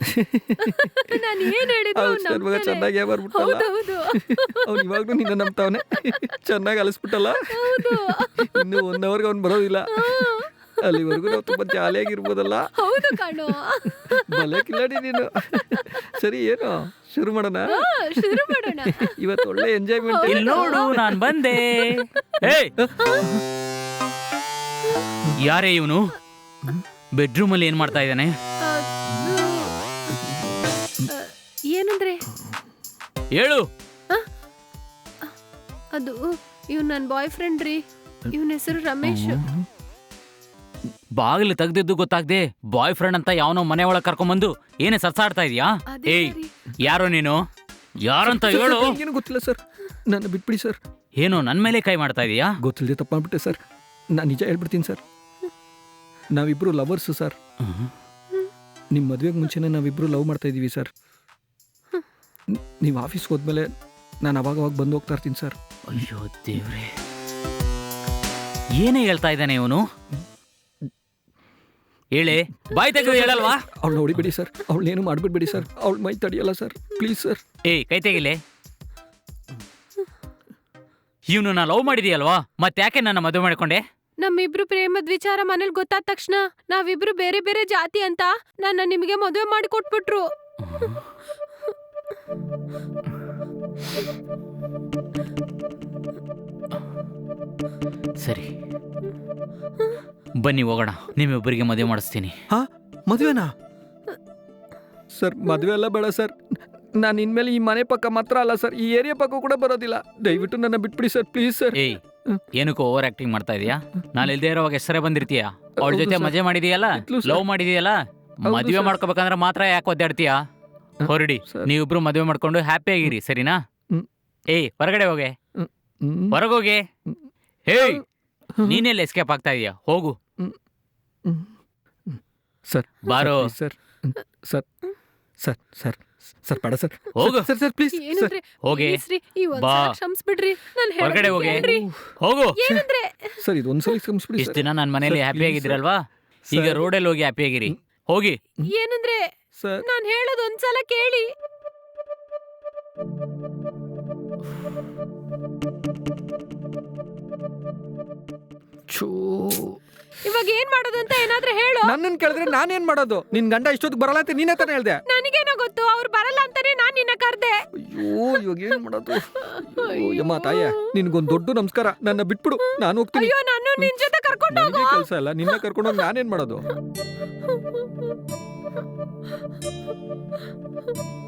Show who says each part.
Speaker 1: ನಾನು ಏನ್ ಹೇಳಿದ್ರು
Speaker 2: ಹೌದು ಸರ್, ಮಗ ಚೆನ್ನಾಗೇ ಬರ್ಬಿಟ್ಟಲ್ಲ.
Speaker 1: ಹೌದೌದು
Speaker 2: ಅವ್ನು ಇವಾಗ್ಲೂ ನಿನ್ನ ನಂಬ್ತಾವನೆ. ಚೆನ್ನಾಗಿ ಅಲಿಸ್ಬಿಟ್ಟಲ್ಲ.
Speaker 1: ಹೌದು
Speaker 2: ಇನ್ನು 1 ಅವರ್ಗೆ ಅವ್ನು ಬರೋದಿಲ್ಲ. ಅಲ್ಲಿವರೆಗೂ ನಾವು ತುಂಬಾ ಜಾಲಿಯಾಗಿರ್ಬೋದಲ್ಲ.
Speaker 1: ಹೌದು ಕಣೋ.
Speaker 2: ಭಲೆ ಕಿಲಾಡಿ ನೀನು. ಸರಿ, ಏನು ಶುರು ಮಾಡೋಣ?
Speaker 1: ಶುರು ಮಾಡೋಣ.
Speaker 2: ಇವತ್ತು ಒಳ್ಳೆ ಎಂಜಾಯ್ಮೆಂಟ್.
Speaker 3: ಇಲ್ಲಿ ನೋಡು, ನಾನ್ ಬಂದೆ. ಏಯ್, ಯಾರೇ ಇವನು? ಬೆಡ್ರೂಮ್ ಅಲ್ಲಿ ಏನ್ ಮಾಡ್ತಾ ಇದ್ದಾನೆ?
Speaker 1: ಏನಂದ್ರೆ
Speaker 3: ಹೇಳು.
Speaker 1: ಅದು ಇವ್ ನನ್ ಬಾಯ್ ಫ್ರೆಂಡ್ ರೀ. ಇವನ ಹೆಸರು ರಮೇಶ್.
Speaker 3: ಬಾಗಿಲು ತೆಗ್ದಿದ್ದು ಗೊತ್ತಾಗ್ದೆ ಬಾಯ್ ಫ್ರೆಂಡ್ ಅಂತ ಯಾವನೋ ಮನೆ ಒಳಗೆ ಕರ್ಕೊಂಬಂದು ಏನೇ ಸರ್ಸಾಡ್ತಾ ಇದೀಯಾ?
Speaker 1: ಅದೇ
Speaker 3: ಏಯ್,
Speaker 1: ಸರಿ.
Speaker 3: ಯಾರೋ ನೀನು? ಯಾರಂತ ಹೇಳು.
Speaker 2: ಏನು ಗೊತ್ತಿಲ್ಲ ಸರ್, ನನ್ನ ಬಿಟ್ಬಿಡಿ ಸರ್.
Speaker 3: ಏನು ನನ್ ಮೇಲೆ ಕೈ ಮಾಡ್ತಾ ಇದೀಯಾ?
Speaker 2: ಗೊತ್ತಿಲ್ಲದೆ ತಪ್ಪು ಮಾಡ್ಬಿಟ್ಟೆ ಸರ್. ನಾನು ನಿಜ ಹೇಳ್ಬಿಡ್ತೀನಿ ಸರ್. ನಾವಿಬ್ರು ಲವರ್ಸು ಸರ್. ನಿಮ್ಮ ಮದುವೆಗೆ ಮುಂಚೆನೇ ನಾವಿಬ್ರು ಲವ್ ಮಾಡ್ತಾ ಇದ್ದೀವಿ ಸರ್. ನೀವು ಆಫೀಸ್ಗೆ ಹೋದ್ಮೇಲೆ ನಾನು ಅವಾಗ ಬಂದು ಹೋಗ್ತಾ ಇರ್ತೀನಿ ಸರ್.
Speaker 3: ಅಯ್ಯೋ ದೇವ್ರೆ, ಏನೇ ಹೇಳ್ತಾ ಇದ್ದಾನೆ ಇವನು? ಹೇಳಿ, ಬಾಯ್ ತೆಗೆದು ಹೇಳಲ್ವಾ?
Speaker 2: ಅವಳನ್ನ ಹೊಡಿಬೇಡಿ ಸರ್, ಅವಳನ್ನೇನು ಮಾಡಿಬಿಡ್ಬೇಡಿ ಸರ್. ಅವಳ ಮೈ ತಡಿಯಲ್ಲ ಸರ್, ಪ್ಲೀಸ್ ಸರ್.
Speaker 3: ಏಯ್, ಕೈ ತೆಗಿಲೆ. ಇವನು ನಾ ಲವ್ ಮಾಡಿದೀಯಲ್ವಾ, ಮತ್ತೆ ಯಾಕೆ ನನ್ನ ಮದುವೆ ಮಾಡ್ಕೊಂಡೆ?
Speaker 1: ನಮ್ಮಿಬ್ರು ಪ್ರೇಮದ ವಿಚಾರ ಮನೇಲಿ ಗೊತ್ತಾದ ತಕ್ಷಣ ನಾವಿಬ್ರು ಬೇರೆ ಬೇರೆ ಜಾತಿ ಅಂತ ನನ್ನ ನಿಮಗೆ ಮದುವೆ ಮಾಡಿ ಕೊಟ್ಬಿಟ್ರು.
Speaker 3: ಸರಿ, ಬನ್ನಿ ಹೋಗೋಣ. ನಿಮ್ಮಿಬ್ಬರಿಗೆ ಮದುವೆ ಮಾಡಿಸ್ತೀನಿ.
Speaker 2: ಹಾ, ಮದುವೆನಾ ಸರ್? ಮದುವೆ ಎಲ್ಲ ಬೇಡ ಸರ್. ನಾನು ಇನ್ಮೇಲೆ ಈ ಮನೆ ಪಕ್ಕ ಮಾತ್ರ ಅಲ್ಲ ಸರ್, ಈ ಏರಿಯಾ ಪಕ್ಕ ಕೂಡ ಬರೋದಿಲ್ಲ. ದಯವಿಟ್ಟು ನನ್ನ ಬಿಟ್ಬಿಡಿ ಸರ್, ಪ್ಲೀಸ್ ಸರ್.
Speaker 3: ಏಯ್, ಏನಕ್ಕೋ ಓವರ್ ಆಕ್ಟಿಂಗ್ ಮಾಡ್ತಾ ಇದೀಯಾ? ನಾನು ಇಲ್ದೇ ಇರೋವಾಗ ಹೆಸರೇ ಬಂದಿರ್ತೀಯ. ಅವಳ ಜೊತೆ ಮಜೆ ಮಾಡಿದೀಯಲ್ಲ, ಲವ್ ಮಾಡಿದೀಯಲ್ಲ, ಮದುವೆ ಮಾಡ್ಕೋಬೇಕಂದ್ರೆ ಮಾತ್ರ ಯಾಕೆ ಒದ್ದಾಡ್ತೀಯಾ? ಹೊರಡಿ, ನೀವಿಬ್ರು ಮದುವೆ ಮಾಡ್ಕೊಂಡು ಹ್ಯಾಪಿ ಆಗಿರಿ, ಸರಿನಾ? ಏಯ್, ಹೊರಗಡೆ ಹೋಗೆ, ಹೊರಗೋಗೆ. ಹೇಯ್, ನೀನೆಲ್ಲ ಎಸ್ಕೇಪ್ ಆಗ್ತಾ ಇದೀಯಾ? ಹೋಗು
Speaker 2: ಸರ್.
Speaker 3: ಬಾರೋ.
Speaker 2: Sir sir sir sir sir ಬೇಡ ಸರ್.
Speaker 3: ಹೋಗು.
Speaker 2: Sir sir please sir.
Speaker 1: ಏನಂದ್ರೆ
Speaker 3: ಹೋಗಿ.
Speaker 1: please ರೀ, ಈ ಒಂದ್
Speaker 3: ಬಾ.
Speaker 1: ಸಲ ಕ್ಷಮಿಸ್ಬಿಡ್ರಿ. ನಾನು
Speaker 3: ಹೊರಗಡೆ
Speaker 1: ಹೇಳೋದು
Speaker 3: ಹೋಗಿ.
Speaker 1: ಕೇಳ್ರಿ.
Speaker 3: ಹೋಗು.
Speaker 1: ಏನಂದ್ರೆ
Speaker 2: ಸರ್, ಇದು ಒಂದ್ಸಲ ಕ್ಷಮಿಸ್ಬಿಡಿ
Speaker 3: ಇಷ್ಟು
Speaker 2: ಸರ್.
Speaker 3: ದಿನ ನನ್ನ ಮನೇಲಿ
Speaker 2: ಸರ್,
Speaker 3: ಹ್ಯಾಪಿ
Speaker 2: please
Speaker 3: ಆಗಿದ್ದೀರಲ್ವಾ? ಈಗ
Speaker 2: ಸರ್.
Speaker 3: ರೋಡಲ್ಲಿ ಹೋಗಿ ಹ್ಯಾಪಿ ಆಗಿರಿ. ಹೋಗಿ.
Speaker 1: ಏನಂದ್ರೆ
Speaker 2: ಸರ್
Speaker 1: ನಾನು ಹೇಳೋದು ಒಂದ್ಸಲ ಕೇಳಿ.
Speaker 2: ಛೂ,
Speaker 1: ಇವಾಗ ಏನ್ ಮಾಡೋದು ಅಂತ ಏನಾದ್ರೂ ಹೇಳು.
Speaker 2: ನನ್ನನ್ನು ಕೇಳಿದ್ರೆ ನಾನೇನ್ ಮಾಡೋದು? ನಿನ್ ಗಂಡ ಇಷ್ಟೊತ್ತಿಗೆ ಬರಲ್ಲ ಅಂತ ನೀನೇ ತಾನೇ ಹೇಳ್ದೆ.
Speaker 1: ನನಗೇನೋ ಗೊತ್ತು, ಅವ್ರು ಬರಲ್ಲ ಅಂತಾನೆ ನಾನ್ ನಿನ್ನ ಕರ್ದೆ.
Speaker 2: ಅಯ್ಯೋ, ಇವಾಗ ಏನ್ ಮಾಡೋದು? ಅಯ್ಯೋ, ಯಮ್ಮ ತಾಯ, ನಿನ್ಗೊಂದು ದೊಡ್ಡ ನಮಸ್ಕಾರ. ನನ್ನ ಬಿಟ್ಬಿಡು, ನಾನು ಹೋಗ್ತೀನಿ.
Speaker 1: ಅಯ್ಯೋ, ನಾನು ನಿನ್ ಜೊತೆ ಕರ್ಕೊಂಡು
Speaker 2: ನನಗೆ
Speaker 1: ಹೋಗು.
Speaker 2: ಕೆಲಸ ಇಲ್ಲ, ನಿನ್ನ ಕರ್ಕೊಂಡೋಗಿ ನಾನೇನ್ ಮಾಡೋದು?